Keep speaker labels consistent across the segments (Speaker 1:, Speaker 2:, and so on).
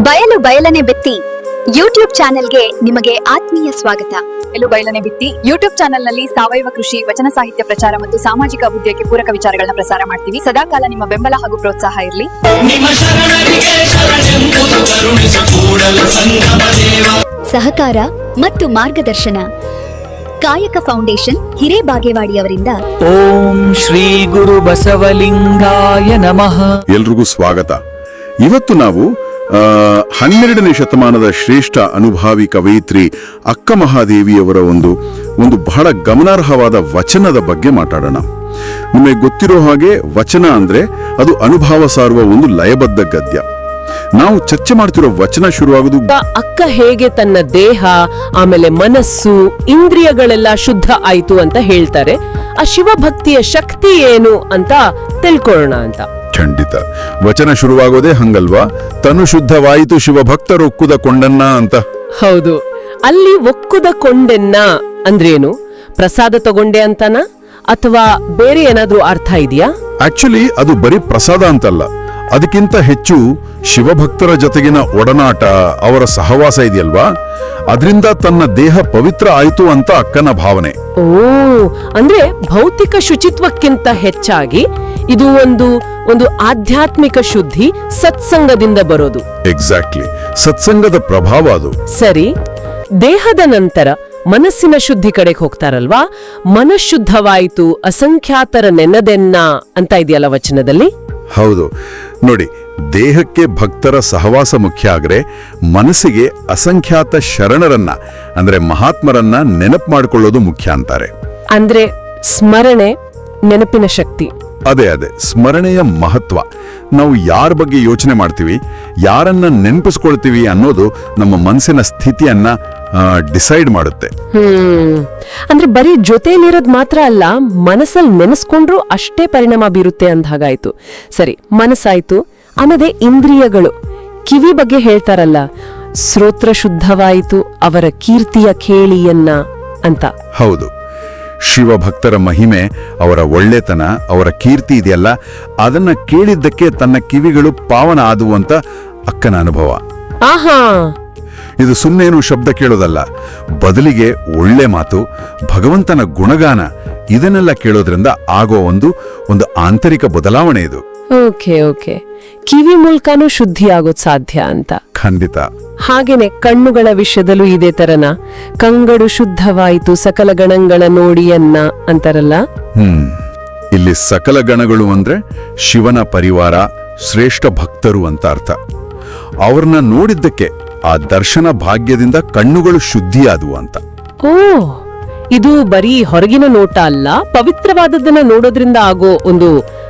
Speaker 1: ಬಯಲು ಬಯಲನೆ ಬಿತ್ತಿ ಯೂಟ್ಯೂಬ್ ಚಾನೆಲ್ಗೆ ನಿಮಗೆ ಆತ್ಮೀಯ ಸ್ವಾಗತ.
Speaker 2: ಬಯಲು ಬಯಲನೆ ಬಿತ್ತಿ ಯೂಟ್ಯೂಬ್ ಚಾನೆಲ್ನಲ್ಲಿ ಸಾವಯವ ಕೃಷಿ, ವಚನ ಸಾಹಿತ್ಯ ಪ್ರಚಾರ ಮತ್ತು ಸಾಮಾಜಿಕ ಅಭಿವೃದ್ಧಿಗೆ ಪೂರಕ ವಿಚಾರಗಳನ್ನ ಪ್ರಸಾರ ಮಾಡ್ತೀವಿ. ಸದಾಕಾಲ ನಿಮ್ಮ ಬೆಂಬಲ ಹಾಗೂ ಪ್ರೋತ್ಸಾಹ ಇರಲಿ.
Speaker 1: ಸಹಕಾರ ಮತ್ತು ಮಾರ್ಗದರ್ಶನ ಕಾಯಕ ಫೌಂಡೇಶನ್ ಹಿರೇಬಾಗೇವಾಡಿಯವರಿಂದ.
Speaker 3: ಓಂ ಶ್ರೀ ಗುರು ಬಸವಲಿಂಗಾಯ ನಮಃ.
Speaker 4: ಎಲ್ರಿಗೂ ಸ್ವಾಗತ. ಇವತ್ತು ನಾವು 12ನೇ ಶತಮಾನದ ಶ್ರೇಷ್ಠ ಅನುಭಾವಿ ಕವಯಿತ್ರಿ ಅಕ್ಕ ಮಹಾದೇವಿಯವರ ಒಂದು ಬಹಳ ಗಮನಾರ್ಹವಾದ ವಚನದ ಬಗ್ಗೆ ಮಾತಾಡೋಣ. ನಿಮಗೆ ಗೊತ್ತಿರೋ ಹಾಗೆ ವಚನ ಅಂದ್ರೆ ಅದು ಅನುಭವ ಸಾರುವ ಒಂದು ಲಯಬದ್ಧ ಗದ್ಯ. ನಾವು ಚರ್ಚೆ ಮಾಡ್ತಿರೋ ವಚನ ಶುರುವಾಗುದು
Speaker 5: ಅಕ್ಕ ಹೇಗೆ ತನ್ನ ದೇಹ ಆಮೇಲೆ ಮನಸ್ಸು ಇಂದ್ರಿಯಗಳೆಲ್ಲ ಶುದ್ಧ ಆಯ್ತು ಅಂತ ಹೇಳ್ತಾರೆ. ಆ ಶಿವಭಕ್ತಿಯ ಶಕ್ತಿ ಏನು ಅಂತ ತಿಳ್ಕೊಳ್ಳೋಣ ಅಂತ.
Speaker 4: ಖಂಡಿತ. ವಚನ ಶುರುವಾಗೋದೇ ಹಂಗಲ್ವಾ? ತನು ಶುದ್ಧವಾಯಿತು ಶಿವಭಕ್ತರು ಒಕ್ಕುದ ಕೊಂಡನ್ನ ಅಂತ.
Speaker 5: ಹೌದು. ಅಲ್ಲಿ ಒಕ್ಕುದ ಕೊಂಡೆನ್ನ ಅಂದ್ರೇನು? ಪ್ರಸಾದ ತಗೊಂಡೆ ಅಂತನ ಅಥವಾ ಬೇರೆ ಏನಾದ್ರೂ ಅರ್ಥ ಇದೆಯಾ?
Speaker 4: ಆಕ್ಚುಲಿ ಅದು ಬರೀ ಪ್ರಸಾದ ಅಂತಲ್ಲ, ಅದಕ್ಕಿಂತ ಹೆಚ್ಚು ಶಿವಭಕ್ತರ ಜೊತೆಗಿನ ಒಡನಾಟ, ಅವರ ಸಹವಾಸ ಇದೆಯಲ್ವಾ, ಅದರಿಂದ ತನ್ನ ದೇಹ ಪವಿತ್ರ ಆಯ್ತು ಅಂತ ಅಕ್ಕನ ಭಾವನೆ.
Speaker 5: ಓ, ಅಂದ್ರೆ ಭೌತಿಕ ಶುಚಿತ್ವಕ್ಕಿಂತ ಹೆಚ್ಚಾಗಿ ಇದು ಒಂದು ಆಧ್ಯಾತ್ಮಿಕ ಶುದ್ಧಿ ಸತ್ಸಂಗದಿಂದ ಬರೋದು.
Speaker 4: ಎಕ್ಸಾಕ್ಟ್ಲಿ, ಸತ್ಸಂಗದ ಪ್ರಭಾವ ಅದು.
Speaker 5: ಸರಿ, ದೇಹದ ನಂತರ ಮನಸ್ಸಿನ ಶುದ್ಧಿ ಕಡೆಗೆ ಹೋಗ್ತಾರಲ್ವಾ? ಮನಃಶುದ್ಧವಾಯಿತು ಅಸಂಖ್ಯಾತರ ನೆನದೆನ್ನ ಅಂತ ಇದೆಯಲ್ಲ ವಚನದಲ್ಲಿ.
Speaker 4: ಹೌದು ನೋಡಿ, ದೇಹಕ್ಕೆ ಭಕ್ತರ ಸಹವಾಸ ಮುಖ್ಯ ಆಗ್ರೆ ಮನಸ್ಸಿಗೆ ಅಸಂಖ್ಯಾತ ಶರಣರನ್ನ ಅಂದ್ರೆ ಮಹಾತ್ಮರನ್ನ ನೆನಪು ಮಾಡಿಕೊಳ್ಳೋದು ಮುಖ್ಯ ಅಂತಾರೆ.
Speaker 5: ಅಂದ್ರೆ ಸ್ಮರಣೆ, ನೆನಪಿನ ಶಕ್ತಿ.
Speaker 4: ಅದೇ ಸ್ಮರಣೆಯ ಮಹತ್ವ. ನಾವು ಯಾರ ಬಗ್ಗೆ ಯೋಚನೆ ಮಾಡ್ತೀವಿ, ಯಾರನ್ನ ನೆನಪಿಸ್ಕೊಳ್ತೀವಿ ಅನ್ನೋದು ನಮ್ಮ ಮನಸ್ಸಿನ ಸ್ಥಿತಿಯನ್ನ ಡಿಸೈಡ್ ಮಾಡುತ್ತೆ.
Speaker 5: ಅಂದ್ರೆ ಬರೀ ಜೊತೆಲಿರೋದ್ ಮಾತ್ರ ಅಲ್ಲ, ಮನಸ್ಸಲ್ಲಿ ನೆನೆಸ್ಕೊಂಡ್ರು ಅಷ್ಟೇ ಪರಿಣಾಮ ಬೀರುತ್ತೆ ಅಂದ ಹಾಗಾಯ್ತು. ಸರಿ, ಮನಸ್ಸಾಯ್ತು. ಆಮೇಲೆ ಇಂದ್ರಿಯಗಳು, ಕಿವಿ ಬಗ್ಗೆ ಹೇಳ್ತಾರಲ್ಲ, ಶ್ರೋತ್ರ ಶುದ್ಧವಾಯಿತು ಅವರ ಕೀರ್ತಿಯ ಕೇಳಿಯನ್ನ ಅಂತ.
Speaker 4: ಹೌದು, ಶಿವಭಕ್ತರ ಮಹಿಮೆ, ಅವರ ಒಳ್ಳೆತನ, ಅವರ ಕೀರ್ತಿ ಇದೆಯಲ್ಲ, ಅದನ್ನ ಕೇಳಿದ್ದಕ್ಕೆ ತನ್ನ ಕಿವಿಗಳು ಪಾವನ ಆದುವು ಅಂತ ಅಕ್ಕನ ಅನುಭವ.
Speaker 5: ಆಹಾ,
Speaker 4: ಇದು ಸುಮ್ಮನೇನು ಶಬ್ದ ಕೇಳೋದಲ್ಲ, ಬದಲಿಗೆ ಒಳ್ಳೆ ಮಾತು, ಭಗವಂತನ ಗುಣಗಾನ, ಇದನ್ನೆಲ್ಲ ಕೇಳೋದ್ರಿಂದ ಆಗೋ ಒಂದು ಆಂತರಿಕ ಬದಲಾವಣೆ ಇದು.
Speaker 5: ಓಕೆ, ಕಿವಿ ಮೂಲಕನೂ ಶುದ್ಧಿ ಆಗೋದ್ ಸಾಧ್ಯ ಅಂತ.
Speaker 4: ಖಂಡಿತ.
Speaker 5: ಹಾಗೇನೆ ಕಣ್ಣುಗಳ ವಿಷಯದಲ್ಲೂ ಇದೇ ತರನ, ಕಂಗಡು ಶುದ್ಧವಾಯಿತು ಸಕಲ ಗಣಗಳ ನೋಡಿಯನ್ನ ಅಂತಾರಲ್ಲ.
Speaker 4: ಇಲ್ಲಿ ಸಕಲ ಗಣಗಳು ಅಂದ್ರೆ ಶಿವನ ಪರಿವಾರ, ಶ್ರೇಷ್ಠ ಭಕ್ತರು ಅಂತ ಅರ್ಥ. ಅವ್ರನ್ನ ನೋಡಿದ್ದಕ್ಕೆ ಆ ದರ್ಶನ ಭಾಗ್ಯದಿಂದ ಕಣ್ಣುಗಳು ಶುದ್ಧಿಯಾದವು ಅಂತ.
Speaker 5: ಓ, ಇದು ಬರೀ ಹೊರಗಿನ ನೋಟ ಅಲ್ಲ, ಪವಿತ್ರವಾದದ್ದನ್ನ ನೋಡೋದ್ರಿಂದ ಆಗೋ ಒಂದು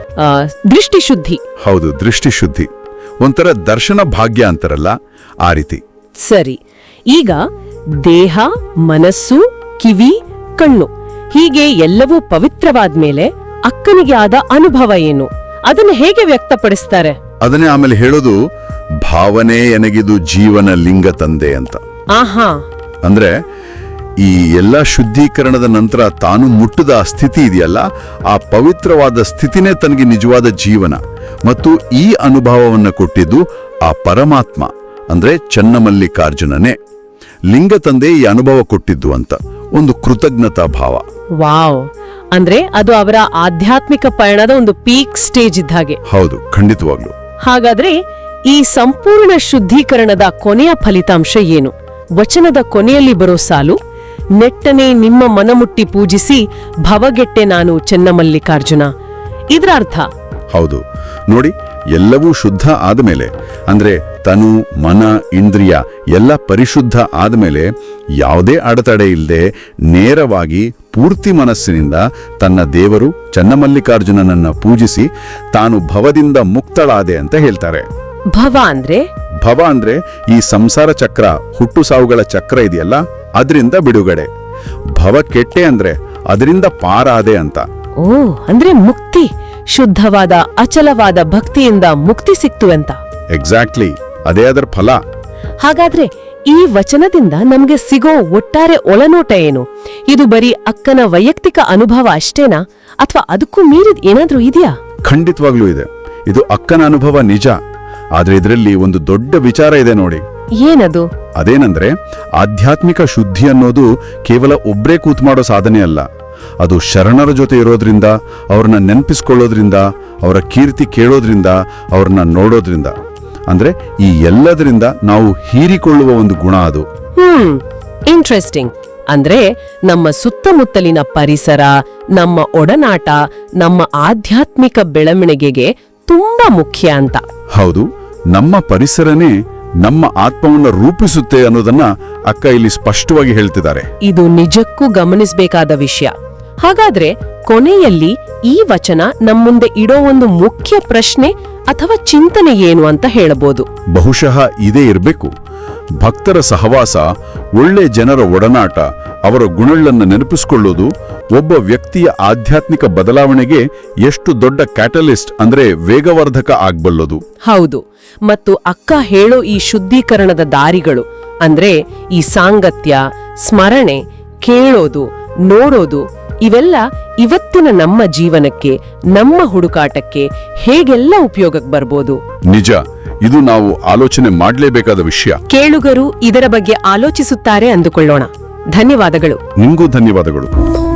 Speaker 5: ದೃಷ್ಟಿ ಶುದ್ಧಿ.
Speaker 4: ಹೌದು, ದೃಷ್ಟಿ ಶುದ್ಧಿ, ಒಂಥರ ದರ್ಶನ ಭಾಗ್ಯ ಅಂತಾರಲ್ಲ, ಆ ರೀತಿ.
Speaker 5: ಸರಿ, ಈಗ ದೇಹ, ಮನಸ್ಸು, ಕಿವಿ, ಕಣ್ಣು ಹೀಗೆ ಎಲ್ಲವೂ ಪವಿತ್ರವಾದ್ಮೇಲೆ ಅಕ್ಕನಿಗೆ ಆದ ಅನುಭವ ಏನು? ಅದನ್ನು ಹೇಗೆ ವ್ಯಕ್ತಪಡಿಸ್ತಾರೆ?
Speaker 4: ಅದನ್ನೇ ಆಮೇಲೆ ಹೇಳೋದು, ಭಾವನೆ ಎನಗಿದು ಜೀವನ ಲಿಂಗ ತಂದೆ ಅಂತ.
Speaker 5: ಆಹಾ,
Speaker 4: ಅಂದ್ರೆ ಈ ಎಲ್ಲ ಶುದ್ಧೀಕರಣದ ನಂತರ ತಾನು ಮುಟ್ಟದ ಆ ಸ್ಥಿತಿ ಇದೆಯಲ್ಲ, ಆ ಪವಿತ್ರವಾದ ಸ್ಥಿತಿನೇ ತನಗೆ ನಿಜವಾದ ಜೀವನ. ಮತ್ತು ಈ ಅನುಭವವನ್ನು ಕೊಟ್ಟಿದ್ದು ಆ ಪರಮಾತ್ಮ ಅಂದ್ರೆ ಚನ್ನಮಲ್ಲಿಕಾರ್ಜುನನೇ. ಲಿಂಗ ತಂದೆ ಈ ಅನುಭವ ಕೊಟ್ಟಿದ್ದು ಅಂತ ಒಂದು ಕೃತಜ್ಞತಾ ಭಾವ.
Speaker 5: ವಾವ್, ಅಂದ್ರೆ ಅದು ಅವರ ಆಧ್ಯಾತ್ಮಿಕ ಪಯಣದ ಒಂದು ಪೀಕ್ ಸ್ಟೇಜ್ ಇದ್ದ ಹಾಗೆ.
Speaker 4: ಹೌದು, ಖಂಡಿತವಾಗ್ಲು.
Speaker 5: ಹಾಗಾದ್ರೆ ಈ ಸಂಪೂರ್ಣ ಶುದ್ಧೀಕರಣದ ಕೊನೆಯ ಫಲಿತಾಂಶ ಏನು? ವಚನದ ಕೊನೆಯಲ್ಲಿ ಬರೋ ಸಾಲು, ನೆಟ್ಟನೆ ನಿಮ್ಮ ಮನಮುಟ್ಟಿ ಪೂಜಿಸಿ ಭವಗೆಟ್ಟೆ ನಾನು ಚೆನ್ನಮಲ್ಲಿಕಾರ್ಜುನ. ಇದರ ಅರ್ಥ?
Speaker 4: ಹೌದು ನೋಡಿ, ಎಲ್ಲವೂ ಶುದ್ಧ ಆದಮೇಲೆ, ಅಂದ್ರೆ ತನು, ಮನ, ಇಂದ್ರಿಯ ಎಲ್ಲ ಪರಿಶುದ್ಧ ಆದಮೇಲೆ ಯಾವುದೇ ಅಡೆತಡೆ ಇಲ್ಲದೆ ನೇರವಾಗಿ ಪೂರ್ತಿ ಮನಸ್ಸಿನಿಂದ ತನ್ನ ದೇವರು ಚನ್ನಮಲ್ಲಿಕಾರ್ಜುನನನ್ನ ಪೂಜಿಸಿ ತಾನು ಭವದಿಂದ ಮುಕ್ತಳಾದೆ ಅಂತ ಹೇಳ್ತಾರೆ.
Speaker 5: ಭವ ಅಂದ್ರೆ
Speaker 4: ಈ ಸಂಸಾರ ಚಕ್ರ, ಹುಟ್ಟು ಸಾವುಗಳ ಚಕ್ರ ಇದೆಯಲ್ಲ, ಅದರಿಂದ ಬಿಡುಗಡೆ. ಭವ ಕೆಟ್ಟೆ ಅಂದ್ರೆ ಅದರಿಂದ ಪಾರಾದೆ ಅಂತ.
Speaker 5: ಓ, ಅಂದ್ರೆ ಮುಕ್ತಿ, ಶುದ್ಧವಾದ ಅಚಲವಾದ ಭಕ್ತಿಯಿಂದ ಮುಕ್ತಿ ಸಿಕ್ತು ಅಂತ.
Speaker 4: ಎಕ್ಸಾಕ್ಟ್ಲಿ, ಅದೇ ಅದರ ಫಲ.
Speaker 5: ಹಾಗಾದ್ರೆ ಈ ವಚನದಿಂದ ನಮ್ಗೆ ಸಿಗೋ ಒಟ್ಟಾರೆ ಒಳನೋಟ ಏನು? ಇದು ಬರೀ ಅಕ್ಕನ ವೈಯಕ್ತಿಕ ಅನುಭವ ಅಷ್ಟೇನಾ, ಅಥವಾ ಅದಕ್ಕೂ ಮೀರಿದ ಏನಾದ್ರೂ ಇದೆಯಾ?
Speaker 4: ಖಂಡಿತವಾಗ್ಲೂ ಇದೆ. ಇದು ಅಕ್ಕನ ಅನುಭವ ನಿಜ, ಆದ್ರೆ ಇದರಲ್ಲಿ ಒಂದು ದೊಡ್ಡ ವಿಚಾರ ಇದೆ ನೋಡಿ.
Speaker 5: ಏನದು?
Speaker 4: ಅದೇನಂದ್ರೆ ಆಧ್ಯಾತ್ಮಿಕ ಶುದ್ಧಿ ಅನ್ನೋದು ಕೇವಲ ಒಬ್ರೇ ಕೂತ್ ಮಾಡೋ ಸಾಧನೆ ಅಲ್ಲ. ಅದು ಶರಣರ ಜೊತೆ ಇರೋದ್ರಿಂದ, ಅವ್ರನ್ನ ನೆನಪಿಸ್ಕೊಳ್ಳೋದ್ರಿಂದ, ಅವರ ಕೀರ್ತಿ ಕೇಳೋದ್ರಿಂದ, ಅವ್ರನ್ನ ನೋಡೋದ್ರಿಂದ, ಅಂದ್ರೆ ಈ ಎಲ್ಲದರಿಂದ ನಾವು ಹೀರಿಕೊಳ್ಳುವ ಒಂದು ಗುಣ ಅದು.
Speaker 5: ಇಂಟ್ರೆಸ್ಟಿಂಗ್. ಅಂದ್ರೆ ನಮ್ಮ ಸುತ್ತಮುತ್ತಲಿನ ಪರಿಸರ, ನಮ್ಮ ಒಡನಾಟ, ನಮ್ಮ ಆಧ್ಯಾತ್ಮಿಕ ಬೆಳವಣಿಗೆಗೆ ತುಂಬಾ ಮುಖ್ಯ ಅಂತ.
Speaker 4: ಹೌದು, ನಮ್ಮ ಪರಿಸರನೇ ನಮ್ಮ ಆತ್ಮವನ್ನ ರೂಪಿಸುತ್ತೆ ಅನ್ನೋದನ್ನ ಅಕ್ಕ ಇಲ್ಲಿ ಸ್ಪಷ್ಟವಾಗಿ ಹೇಳ್ತಿದ್ದಾರೆ.
Speaker 5: ಇದು ನಿಜಕ್ಕೂ ಗಮನಿಸಬೇಕಾದ ವಿಷಯ. ಹಾಗಾದ್ರೆ ಕೊನೆಯಲ್ಲಿ ಈ ವಚನ ನಮ್ಮುಂದೆ ಇಡೋ ಒಂದು ಮುಖ್ಯ ಪ್ರಶ್ನೆ ಅಥವಾ ಚಿಂತನೆ ಏನು ಅಂತ ಹೇಳಬಹುದು?
Speaker 4: ಬಹುಶಃ ಇದೇ ಇರಬೇಕು. ಭಕ್ತರ ಸಹವಾಸ, ಒಳ್ಳೆ ಜನರ ಒಡನಾಟ, ಅವರ ಗುಣಗಳನ್ನು ನೆನಪಿಸಿಕೊಳ್ಳೋದು ಒಬ್ಬ ವ್ಯಕ್ತಿಯ ಆಧ್ಯಾತ್ಮಿಕ ಬದಲಾವಣೆಗೆ ಎಷ್ಟು ದೊಡ್ಡ ಕ್ಯಾಟಲಿಸ್ಟ್ ಅಂದ್ರೆ ವೇಗವರ್ಧಕ ಆಗ್ಬಲ್ಲದು.
Speaker 5: ಹೌದು. ಮತ್ತು ಅಕ್ಕ ಹೇಳೋ ಈ ಶುದ್ಧೀಕರಣದ ದಾರಿಗಳು ಅಂದ್ರೆ ಈ ಸಾಂಗತ್ಯ, ಸ್ಮರಣೆ, ಕೇಳೋದು, ನೋಡೋದು, ಇವೆಲ್ಲ ಇವತ್ತಿನ ನಮ್ಮ ಜೀವನಕ್ಕೆ, ನಮ್ಮ ಹುಡುಕಾಟಕ್ಕೆ ಹೇಗೆಲ್ಲ ಉಪಯೋಗಕ್ಕೆ ಬರ್ಬೋದು?
Speaker 4: ನಿಜ, ಇದು ನಾವು ಆಲೋಚನೆ ಮಾಡಲೇಬೇಕಾದ ವಿಷಯ.
Speaker 5: ಕೇಳುಗರು ಇದರ ಬಗ್ಗೆ ಆಲೋಚಿಸುತ್ತಾರೆ ಅಂದುಕೊಳ್ಳೋಣ. ಧನ್ಯವಾದಗಳು.
Speaker 4: ನಿಮಗೂ ಧನ್ಯವಾದಗಳು.